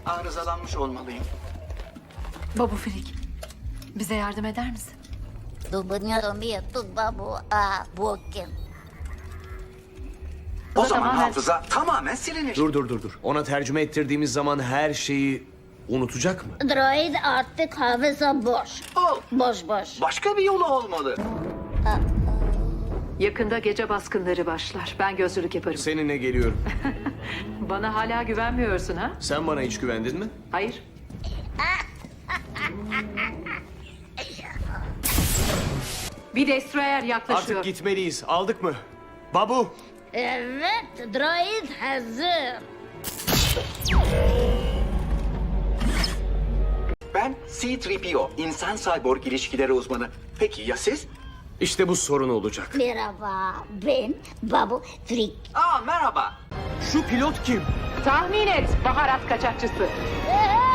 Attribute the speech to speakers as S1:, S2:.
S1: Arızalanmış olmalıyım.
S2: Babu Frik, bize yardım eder misin?
S1: O zaman
S2: tamamen-
S1: hafıza tamamen silinir.
S3: Dur. Ona tercüme ettirdiğimiz zaman her şeyi unutacak mı?
S4: Droid artık hafıza boş.
S1: Oh,
S4: Boş.
S1: başka bir yolu olmalı.
S5: Yakında gece baskınları başlar. Ben gözcülük yaparım.
S3: Seninle geliyorum.
S5: Bana hala güvenmiyorsun ha?
S3: Sen bana hiç güvendin mi?
S5: Hayır. Bir destroyer yaklaşıyor.
S3: Artık gitmeliyiz. Aldık mı? Babu!
S4: Evet, droid hazır.
S1: Ben C-3PO, insan cyborg ilişkileri uzmanı. Peki ya siz?
S3: İşte bu sorun olacak.
S4: Merhaba, ben Babu Frik.
S1: Aa, merhaba.
S3: Şu pilot kim?
S5: Tahmin et, baharat kaçakçısı.
S4: Aa!